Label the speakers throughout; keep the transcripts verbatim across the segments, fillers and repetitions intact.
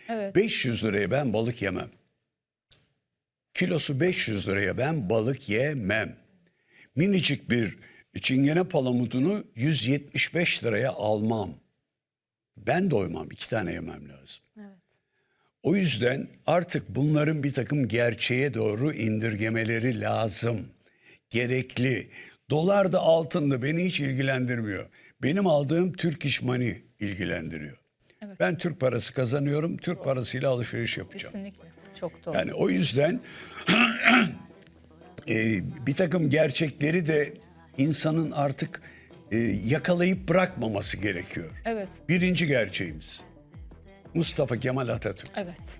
Speaker 1: Evet.
Speaker 2: beş yüz liraya ben balık yemem. Kilosu beş yüz liraya ben balık yemem. Minicik bir çingene palamudunu yüz yetmiş beş liraya almam. Ben doymam, iki tane yemem lazım.
Speaker 1: Evet.
Speaker 2: O yüzden artık bunların bir takım gerçeğe doğru indirgemeleri lazım. Gerekli. Dolar da altın da beni hiç ilgilendirmiyor. Benim aldığım Türk İş Money ilgilendiriyor.
Speaker 1: Evet.
Speaker 2: Ben Türk parası kazanıyorum, Türk parasıyla alışveriş yapacağım.
Speaker 1: Kesinlikle. Çok doğru.
Speaker 2: Yani o yüzden e, bir takım gerçekleri de insanın artık e, yakalayıp bırakmaması gerekiyor.
Speaker 1: Evet.
Speaker 2: Birinci gerçeğimiz Mustafa Kemal Atatürk.
Speaker 1: Evet.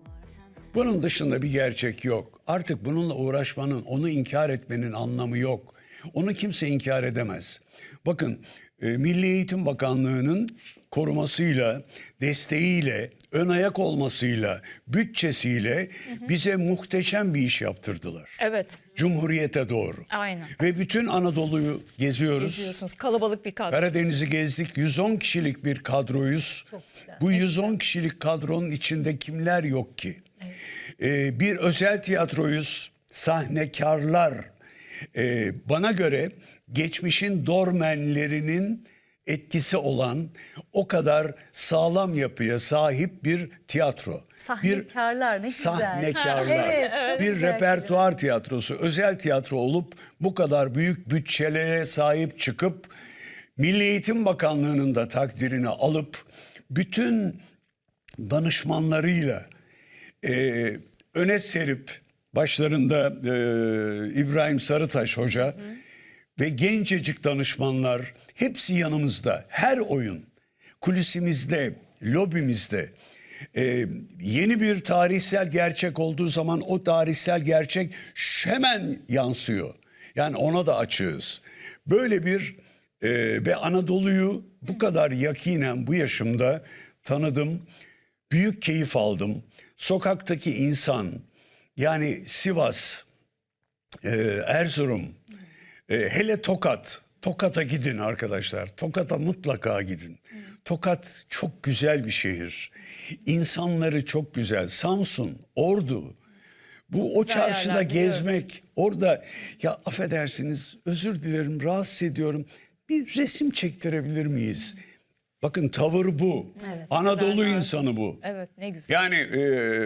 Speaker 2: Bunun dışında bir gerçek yok. Artık bununla uğraşmanın, onu inkar etmenin anlamı yok. Onu kimse inkar edemez. Bakın e, Milli Eğitim Bakanlığı'nın korumasıyla, desteğiyle, ön ayak olmasıyla, bütçesiyle hı hı. bize muhteşem bir iş yaptırdılar.
Speaker 1: Evet.
Speaker 2: Cumhuriyete doğru.
Speaker 1: Aynen.
Speaker 2: Ve bütün Anadolu'yu geziyoruz.
Speaker 1: Geziyorsunuz. Kalabalık bir kadro.
Speaker 2: Karadeniz'i gezdik. yüz on kişilik bir kadroyuz. Bu yüz on kişilik kadronun içinde kimler yok ki? Evet. Ee, bir özel tiyatroyuz. Sahnekarlar. Ee, bana göre geçmişin dormenlerinin etkisi olan o kadar sağlam yapıya sahip bir tiyatro.
Speaker 3: Sahnekarlar ne
Speaker 2: bir
Speaker 3: güzel.
Speaker 2: Sahnekarlar.
Speaker 3: Evet, evet.
Speaker 2: Bir
Speaker 3: Güzel
Speaker 2: repertuar tiyatrosu, özel tiyatro olup bu kadar büyük bütçelere sahip çıkıp Milli Eğitim Bakanlığı'nın da takdirini alıp bütün danışmanlarıyla e, öne serip başlarında e, İbrahim Sarıtaş Hoca hı hı. ve gencecik danışmanlar hepsi yanımızda. Her oyun kulisimizde, lobimizde e, yeni bir tarihsel gerçek olduğu zaman o tarihsel gerçek hemen yansıyor. Yani ona da açığız. Böyle bir e, ve Anadolu'yu bu kadar yakinen bu yaşımda tanıdım. Büyük keyif aldım. Sokaktaki insan, yani Sivas, e, Erzurum, e, hele Tokat. Tokat'a gidin arkadaşlar. Tokat'a mutlaka gidin. Tokat çok güzel bir şehir. İnsanları çok güzel. Samsun, Ordu. Bu o
Speaker 1: Güzel
Speaker 2: çarşıda
Speaker 1: yerler,
Speaker 2: gezmek, orada ya affedersiniz, özür dilerim, rahatsız ediyorum. Bir resim çektirebilir miyiz? Bakın tavır bu.
Speaker 3: Evet,
Speaker 2: Anadolu
Speaker 1: güzel,
Speaker 2: insanı bu.
Speaker 1: Evet, ne güzel.
Speaker 2: Yani e,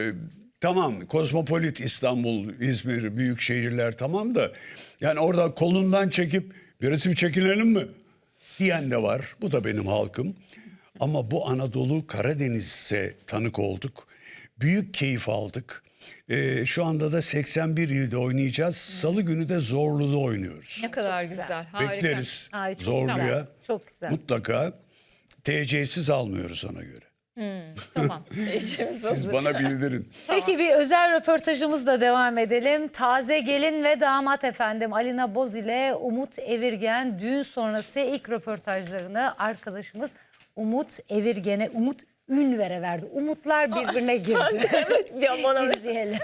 Speaker 2: tamam kozmopolit İstanbul, İzmir, büyük şehirler tamam da yani orada kolundan çekip bir resim çekinelim mi diyen de var. Bu da benim halkım. Ama bu Anadolu Karadeniz'e tanık olduk. Büyük keyif aldık. Ee, şu anda da seksen bir ilde oynayacağız. Salı günü de Zorlu'da oynuyoruz.
Speaker 1: Ne kadar
Speaker 3: Çok
Speaker 1: güzel.
Speaker 3: güzel.
Speaker 1: Harika.
Speaker 2: Bekleriz
Speaker 3: Ay, çok
Speaker 2: Zorlu'ya.
Speaker 3: güzel. Çok güzel.
Speaker 2: Mutlaka T C'siz almıyoruz ona göre.
Speaker 1: Hmm, tamam. İçimiz
Speaker 2: Siz
Speaker 1: hazır.
Speaker 2: bana bildirin.
Speaker 3: Peki bir özel röportajımızla devam edelim. Taze gelin ve damat efendim Alina Boz ile Umut Evirgen düğün sonrası ilk röportajlarını arkadaşımız Umut Evirgen'e, Umut Ünver'e verdi. Umutlar birbirine girdi.
Speaker 1: Evet, bir bana
Speaker 3: İzleyelim.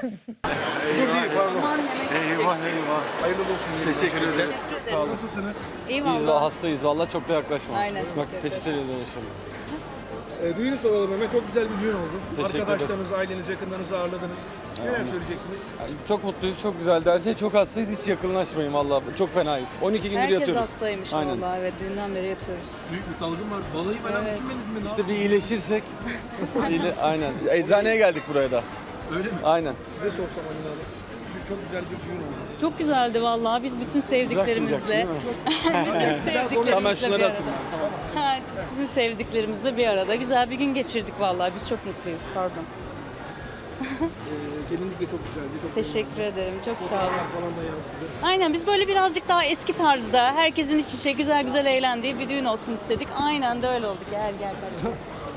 Speaker 4: Eyvah eyvah.
Speaker 5: Hayırlı olsun.
Speaker 4: Teşekkür ederim.
Speaker 5: Sağ olun. Nasılsınız?
Speaker 4: İyiyiz valla hastayız valla çok da yaklaşma.
Speaker 1: Aynen,
Speaker 4: Bak peçeteyle dolaşıyorum.
Speaker 5: Ee, düğünü soralım hemen. Çok güzel bir düğün oldu.
Speaker 4: Teşekkür
Speaker 5: Arkadaşlarınız, aileniz, yakınlarınızı ağırladınız. Neler
Speaker 4: Aynen.
Speaker 5: söyleyeceksiniz?
Speaker 4: Yani çok mutluyuz, çok güzeldi her şey. Çok hastayız, hiç yakınlaşmayın valla. Çok fenayız. on iki gündür
Speaker 6: Herkes
Speaker 4: yatıyoruz.
Speaker 6: hastaymış
Speaker 4: Aynen.
Speaker 6: vallahi, evet, düğünden beri yatıyoruz.
Speaker 5: Büyük bir salgın var. Balayı falan
Speaker 6: Evet.
Speaker 5: düşünmediniz mi? Ne
Speaker 4: İşte bir iyileşirsek. iyile, aynen. Eczaneye geldik buraya da.
Speaker 5: yaptınız? Öyle mi?
Speaker 4: Aynen.
Speaker 5: Size sorsam Alina Hanım. Bir- Çok güzel bir düğün oldu.
Speaker 6: Çok güzeldi vallahi, biz bütün
Speaker 4: Bırakmayacaksın değil
Speaker 6: sevdiklerimizle,
Speaker 4: mi?
Speaker 6: bütün
Speaker 4: Hemen
Speaker 6: sevdiklerimizle
Speaker 4: şunları
Speaker 6: bir
Speaker 4: atayım.
Speaker 6: arada. Ha, Sizin sevdiklerimizle bir arada güzel bir gün geçirdik vallahi, biz çok mutluyuz, pardon.
Speaker 5: Ee, gelinlik de çok güzeldi. Çok
Speaker 6: Teşekkür ederim, çok sağ olun.
Speaker 5: Fotoğraflar falan da yansıdı.
Speaker 6: Aynen, biz böyle birazcık daha eski tarzda, herkesin iç içe güzel güzel eğlendiği bir düğün olsun istedik. Aynen de öyle oldu. Gel gel kardeşim.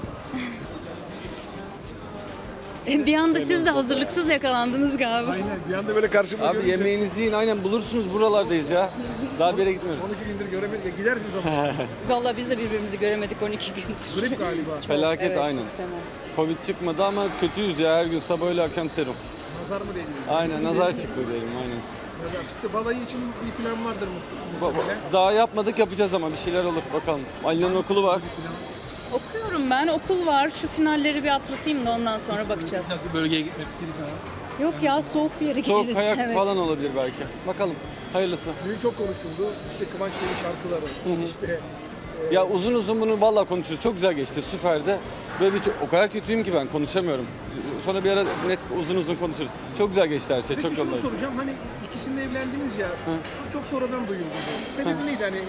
Speaker 6: Bir anda siz de hazırlıksız yakalandınız galiba.
Speaker 5: Aynen. Bir anda böyle karşıma
Speaker 4: Abi
Speaker 5: görünce
Speaker 4: yemeğinizi yiyin, aynen bulursunuz, buralardayız ya. Daha bir yere gitmiyoruz.
Speaker 5: on iki gündür göremedik. E, Gidersiniz ama.
Speaker 6: Vallahi biz de birbirimizi göremedik on iki gündür.
Speaker 5: Grip galiba.
Speaker 4: Felaket
Speaker 6: Evet,
Speaker 4: aynen.
Speaker 6: çok fena.
Speaker 4: Covid çıkmadı ama kötüyüz ya, her gün sabah öyle akşam serum.
Speaker 5: Nazar mı değdi?
Speaker 4: Aynen, nazar çıktı diyelim aynen.
Speaker 5: Nazar çıktı. Balayı için bir plan vardır
Speaker 4: Ba-
Speaker 5: muhtemelen.
Speaker 4: Daha yapmadık, yapacağız ama bir şeyler olur bakalım. Ali'nin okulu var.
Speaker 6: Okuyorum ben. Okul var. Şu finalleri bir atlatayım da ondan sonra bakacağız.
Speaker 5: Bir bölgeye gitmek fikri falan.
Speaker 6: Yok ya, soğuk bir yere
Speaker 4: Soğuk
Speaker 6: gideriz.
Speaker 4: kayak
Speaker 6: Evet.
Speaker 4: falan olabilir belki. Bakalım. Hayırlısı.
Speaker 5: Düğün çok konuşuldu. İşte Kıvanç Bey'in şarkıları, işte
Speaker 4: Ya uzun uzun bunu vallahi konuşuruz. Çok güzel geçti. Süperdi. Böyle bir o kadar kötüyüm ki ben konuşamıyorum. Sonra bir ara net uzun uzun konuşuruz. Çok güzel geçti her şey.
Speaker 5: Peki
Speaker 4: Çok
Speaker 5: şunu
Speaker 4: yolunda.
Speaker 5: soracağım. Hani ikisinde evlendiniz ya. so- Çok sonradan duyuldu bu. Sebebi neydi hani?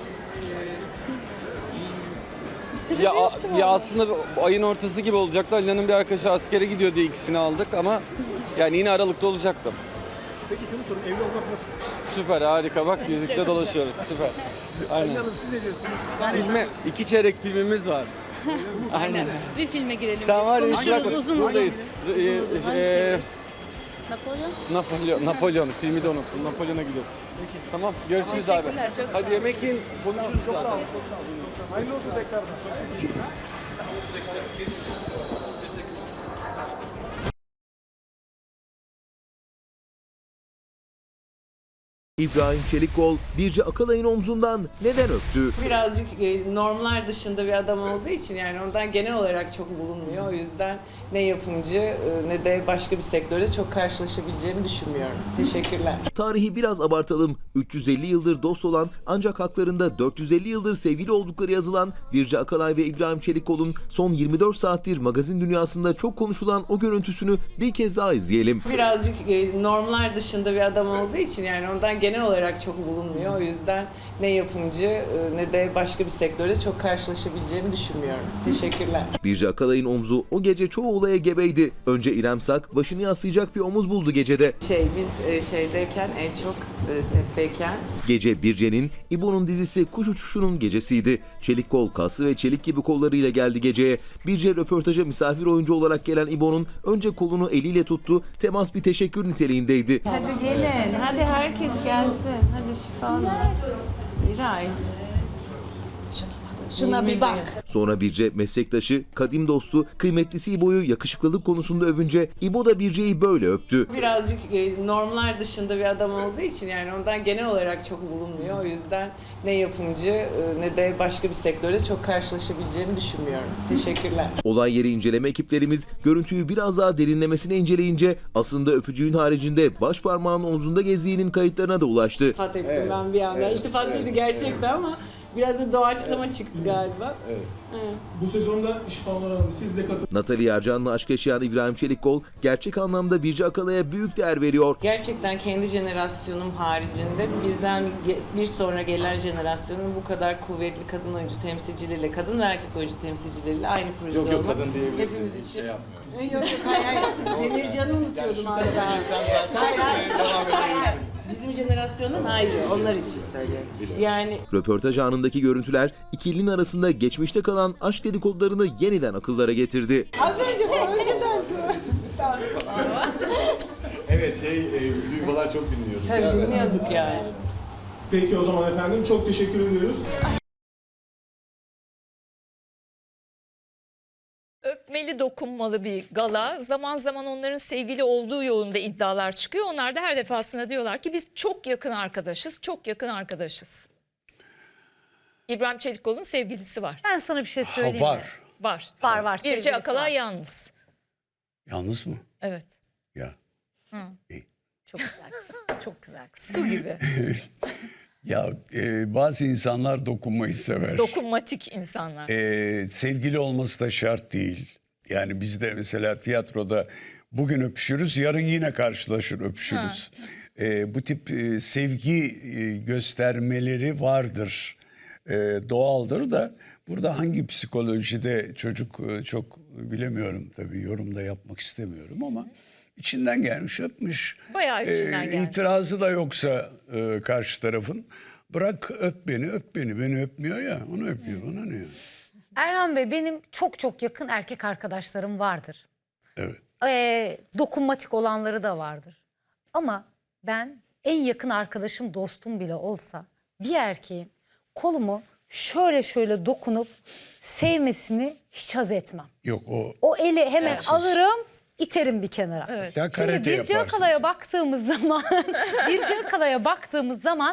Speaker 5: e,
Speaker 6: Sebebi
Speaker 4: Ya,
Speaker 6: yoktu
Speaker 4: ya
Speaker 6: vallahi.
Speaker 4: aslında bu ayın ortası gibi olacaktı. Ali'nin bir arkadaşı askere gidiyor diye ikisini aldık ama yani yine Aralık'ta olacaktım.
Speaker 5: Peki şunu sorayım. Evli olmak nasıl?
Speaker 4: Süper, harika. Bak yüzükte dolaşıyoruz. Süper.
Speaker 5: Aynen.
Speaker 4: Aynen.
Speaker 5: Hanım siz ne diyorsunuz?
Speaker 4: Filme, iki çeyrek filmimiz var. Aynen.
Speaker 6: Bir filme girelim
Speaker 4: Sen
Speaker 6: biz.
Speaker 4: var ya,
Speaker 6: Konuşuruz
Speaker 4: bak,
Speaker 6: uzun uzun.
Speaker 4: buradayız.
Speaker 6: Uzun
Speaker 4: Ee,
Speaker 6: uzun.
Speaker 4: ee,
Speaker 6: Hangisini girelim? Napolyon?
Speaker 4: Napolyon, Napolyon. Filmi de unuttum. Napolyon'a gidiyoruz. Tamam, görüşürüz abi.
Speaker 6: Teşekkürler, çok sağ
Speaker 4: Hadi
Speaker 6: olun.
Speaker 4: yemek yiyin, konuşuruz
Speaker 5: Çok sağ
Speaker 4: zaten.
Speaker 5: olun. Çok sağ olun. Hayırlı olsun tekrardan. Çok teşekkürler.
Speaker 7: İbrahim Çelikkol, Birce Akalay'ın omzundan neden öptü?
Speaker 8: Birazcık e, normlar dışında bir adam olduğu için yani ondan genel olarak çok bulunmuyor. O yüzden ne yapımcı e, ne de başka bir sektörde çok karşılaşabileceğimi düşünmüyorum. Teşekkürler.
Speaker 7: Tarihi biraz abartalım. üç yüz elli yıldır dost olan ancak haklarında dört yüz elli yıldır sevgili oldukları yazılan Birce Akalay ve İbrahim Çelikkol'un son yirmi dört saattir magazin dünyasında çok konuşulan o görüntüsünü bir kez daha izleyelim.
Speaker 8: Birazcık e, normlar dışında bir adam olduğu için yani ondan genel olarak çok bulunmuyor. O yüzden ne yapımcı e, ne de başka bir sektörde çok karşılaşabileceğimi düşünmüyorum. Teşekkürler.
Speaker 7: Birce Akalay'ın omzu o gece çoğu olaya gebeydi. Önce İrem Sak başını yaslayacak bir omuz buldu gecede.
Speaker 8: Şey biz e, şeydeyken en çok e, setteyken
Speaker 7: Gece Birce'nin, İbo'nun dizisi Kuş Uçuşu'nun gecesiydi. Çelik kol, kası ve çelik gibi kollarıyla geldi geceye. Birce röportaja misafir oyuncu olarak gelen İbo'nun önce kolunu eliyle tuttu, temas bir teşekkür niteliğindeydi.
Speaker 8: hadi gelin, hadi herkes gelsin. Hadi şifanı. İray. Şuna bir bak.
Speaker 7: Sonra Birce meslektaşı, kadim dostu, kıymetlisi İbo'yu yakışıklılık konusunda övünce İbo da Birce'yi böyle öptü.
Speaker 8: Birazcık e, normlar dışında bir adam olduğu için yani ondan genel olarak çok bulunmuyor. O yüzden ne yapımcı e, ne de başka bir sektörde çok karşılaşabileceğimi düşünmüyorum. Teşekkürler.
Speaker 7: Olay yeri inceleme ekiplerimiz görüntüyü biraz daha derinlemesine inceleyince aslında öpücüğün haricinde baş parmağının omzunda gezdiğinin kayıtlarına da ulaştı.
Speaker 8: İltifat ettim ben bir anda. İltifat değildi gerçekten ama biraz da doğaçlama çıktı galiba. Evet.
Speaker 9: Bu sezonda şifalar Hanım siz de katılın.
Speaker 7: Natalie Ercan'la aşk yaşayan İbrahim Çelikkol gerçek anlamda Birce Akalay'a büyük değer veriyor.
Speaker 8: Gerçekten kendi jenerasyonum haricinde bizden ge- bir sonra gelen jenerasyonun bu kadar kuvvetli kadın oyuncu temsilcileriyle, kadın ve erkek oyuncu temsilcileriyle aynı projede olmak. Yok yok kadın diyebilirsiniz. Hepimiz için. Şey yok yok hayır hayır. Demircan'ı unutuyordum yani hala. Hayır hayır. Hayır. Bizim jenerasyonun ayrı. Onlar için söylüyorum. Yani
Speaker 7: Röportaj anındaki görüntüler ikilinin arasında geçmişte kalan aşk dedikodularını yeniden akıllara getirdi.
Speaker 8: az önce bu önceden.
Speaker 9: Evet şey e, duygular çok dinliyorduk.
Speaker 8: Tabii dinliyorduk yani.
Speaker 9: Peki o zaman efendim çok teşekkür ediyoruz.
Speaker 1: Öpmeli, dokunmalı bir gala. Zaman zaman onların sevgili olduğu yolunda iddialar çıkıyor. Onlar da her defasında diyorlar ki biz çok yakın arkadaşız, çok yakın arkadaşız. İbrahim Çelikkol'un sevgilisi var.
Speaker 3: Ben sana bir şey
Speaker 2: Ha,
Speaker 3: söyleyeyim mi?
Speaker 2: var.
Speaker 1: Var.
Speaker 3: Var var.
Speaker 1: Birce
Speaker 3: sevgilisi
Speaker 1: Akalay
Speaker 3: var.
Speaker 1: yalnız.
Speaker 2: Yalnız mı?
Speaker 1: Evet.
Speaker 2: Ya.
Speaker 3: Çok güzel kız. Çok güzel kız.
Speaker 1: Su gibi.
Speaker 2: Ya e, bazı insanlar dokunmayı sever.
Speaker 1: Dokunmatik insanlar.
Speaker 2: E, sevgili olması da şart değil. Yani biz de mesela tiyatroda bugün öpüşürüz, yarın yine karşılaşır öpüşürüz. E, bu tip e, sevgi e, göstermeleri vardır. E, doğaldır da burada hangi psikolojide çocuk e, çok bilemiyorum tabii, yorum da yapmak istemiyorum ama içinden gelmiş öpmüş.
Speaker 1: Bayağı içinden gelmiş.
Speaker 2: İtirazı da yoksa e, karşı tarafın, bırak öp beni öp beni beni öpmüyor ya, onu öpüyor, bana ne ya?
Speaker 3: Erhan Bey, benim çok çok yakın erkek arkadaşlarım vardır.
Speaker 2: Evet.
Speaker 3: Ee, dokunmatik olanları da vardır. Ama ben en yakın arkadaşım, dostum bile olsa bir erkeğin kolumu şöyle şöyle dokunup sevmesini hiç haz etmem.
Speaker 2: Yok o
Speaker 3: O eli hemen alırım, iterim bir kenara.
Speaker 1: Evet.
Speaker 2: ya
Speaker 3: Şimdi
Speaker 2: karate
Speaker 3: Birce
Speaker 2: yaparsın.
Speaker 3: Akalay'a
Speaker 2: sen.
Speaker 3: baktığımız zaman, Birce Akalay'a baktığımız zaman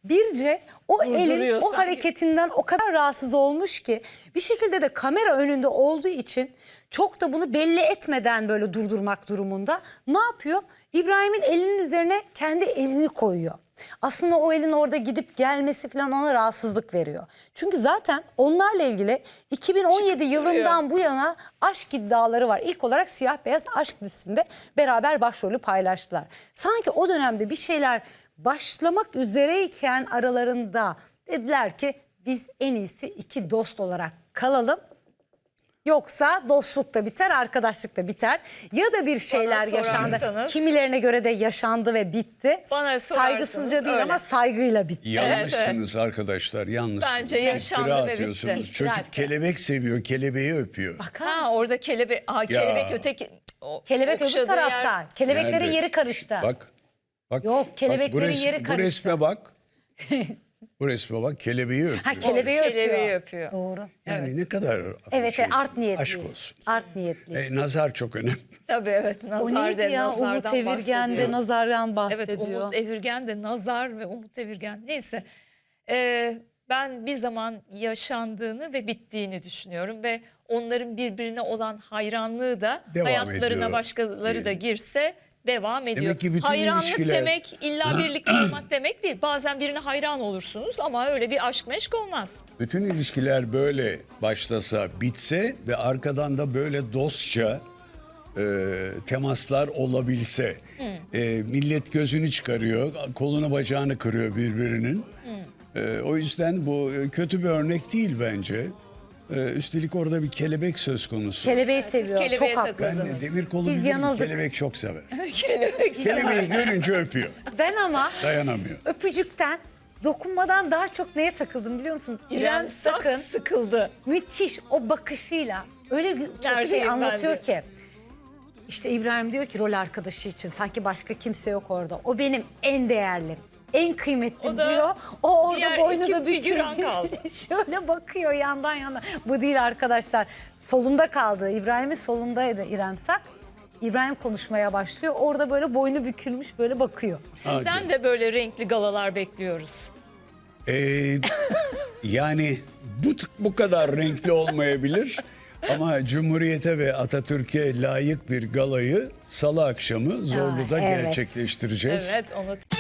Speaker 3: Birce o elin
Speaker 1: Durduruyor
Speaker 3: o
Speaker 1: sanki.
Speaker 3: hareketinden o kadar rahatsız olmuş ki bir şekilde de kamera önünde olduğu için çok da bunu belli etmeden böyle durdurmak durumunda ne yapıyor? İbrahim'in elinin üzerine kendi elini koyuyor. Aslında o elin orada gidip gelmesi falan ona rahatsızlık veriyor. Çünkü zaten onlarla ilgili iki bin on yedi yılından bu yana aşk iddiaları var. İlk olarak Siyah Beyaz Aşk dizisinde beraber başrolü paylaştılar. Sanki o dönemde bir şeyler başlamak üzereyken aralarında dediler ki biz en iyisi iki dost olarak kalalım. Yoksa dostluk da biter, arkadaşlık da biter. Ya da bir şeyler yaşandı.
Speaker 1: sorarsanız-
Speaker 3: Kimilerine göre de yaşandı ve bitti.
Speaker 1: Bana sorarsanız
Speaker 3: Saygısızca değil
Speaker 1: öyle.
Speaker 3: ama saygıyla bitti.
Speaker 2: Yanlışsınız arkadaşlar, yanlışsınız.
Speaker 1: Bence yaşandı
Speaker 2: İftira
Speaker 1: ve
Speaker 2: atıyorsunuz.
Speaker 1: bitti.
Speaker 2: Çocuk
Speaker 3: İftira.
Speaker 2: kelebek seviyor, kelebeği öpüyor.
Speaker 1: Ha orada kelebek, aha, kelebek
Speaker 2: Ya.
Speaker 1: öteki. o-
Speaker 3: Kelebek öbür
Speaker 1: okşadığı
Speaker 3: tarafta.
Speaker 1: yer-
Speaker 3: Kelebeklerin
Speaker 2: Nerede?
Speaker 3: yeri karıştı.
Speaker 2: Bak. Bak.
Speaker 3: Yok,
Speaker 2: bak,
Speaker 3: kelebeklerin
Speaker 2: bu res-
Speaker 3: yeri
Speaker 2: Bu
Speaker 3: karıştı.
Speaker 2: resme bak. Bu resme bak, kelebeği öpüyor.
Speaker 3: Ha kelebeği öpüyor.
Speaker 1: Kelebeği öpüyor.
Speaker 3: Doğru.
Speaker 2: Yani ne kadar
Speaker 3: Evet,
Speaker 2: şey,
Speaker 3: art niyetliyiz.
Speaker 2: aşk olsun.
Speaker 3: Art niyetliyiz.
Speaker 2: E, nazar çok önemli.
Speaker 1: Tabii evet,
Speaker 3: O
Speaker 1: nazar
Speaker 3: neydi
Speaker 1: de,
Speaker 3: ya?
Speaker 1: nazardan
Speaker 3: Umut Evirgen de
Speaker 1: bahsediyor.
Speaker 3: nazardan bahsediyor.
Speaker 1: Evet, Umut Evirgen de nazar ve Umut Evirgen. Neyse, Ee, ben bir zaman yaşandığını ve bittiğini düşünüyorum ve onların birbirine olan hayranlığı da
Speaker 2: Devam
Speaker 1: hayatlarına
Speaker 2: ediyor
Speaker 1: başkaları da
Speaker 2: diyelim.
Speaker 1: girse devam ediyor.
Speaker 2: ki bütün
Speaker 1: Hayranlık
Speaker 2: ilişkiler-
Speaker 1: demek illa birlikte olmak demek değil. Bazen birine hayran olursunuz ama öyle bir aşk meşk olmaz.
Speaker 2: Bütün ilişkiler böyle başlasa, bitse ve arkadan da böyle dostça e, temaslar olabilse. E, millet gözünü çıkarıyor, kolunu bacağını kırıyor birbirinin. E, o yüzden bu kötü bir örnek değil bence. E, üstelik orada bir kelebek söz konusu.
Speaker 3: Kelebeği seviyor.
Speaker 1: kelebeğe
Speaker 3: Çok
Speaker 2: Ben
Speaker 3: haklısınız.
Speaker 2: de demir kolu
Speaker 3: Biz
Speaker 2: bilirim,
Speaker 3: yanıldık.
Speaker 2: kelebek çok sever.
Speaker 1: Kelebek.
Speaker 2: Kelebeği görünce öpüyor,
Speaker 3: Ben ama
Speaker 2: dayanamıyor.
Speaker 3: öpücükten, dokunmadan daha çok neye takıldım biliyor musunuz?
Speaker 1: İrem Sak sıkıldı.
Speaker 3: müthiş o bakışıyla öyle gü- çok
Speaker 1: Neredeyim
Speaker 3: şey
Speaker 1: ben
Speaker 3: anlatıyor
Speaker 1: de.
Speaker 3: ki. İşte İbrahim diyor ki rol arkadaşı için sanki başka kimse yok orada. O benim en değerlim, en kıymetlim
Speaker 1: O da
Speaker 3: diyor. O orada
Speaker 1: diğer
Speaker 3: boynu
Speaker 1: iki
Speaker 3: da
Speaker 1: figüran
Speaker 3: bükülmüş.
Speaker 1: kaldı.
Speaker 3: Şöyle bakıyor yandan yana. Bu değil arkadaşlar. Solunda kaldı. İbrahim'in solundaydı İrem Sak. İbrahim konuşmaya başlıyor. Orada böyle boynu bükülmüş böyle bakıyor.
Speaker 1: Sizden de böyle renkli galalar bekliyoruz.
Speaker 2: Ee, yani bu bu kadar renkli olmayabilir ama Cumhuriyete ve Atatürk'e layık bir galayı Salı akşamı Zorlu'da
Speaker 3: evet.
Speaker 2: gerçekleştireceğiz.
Speaker 1: Evet, onu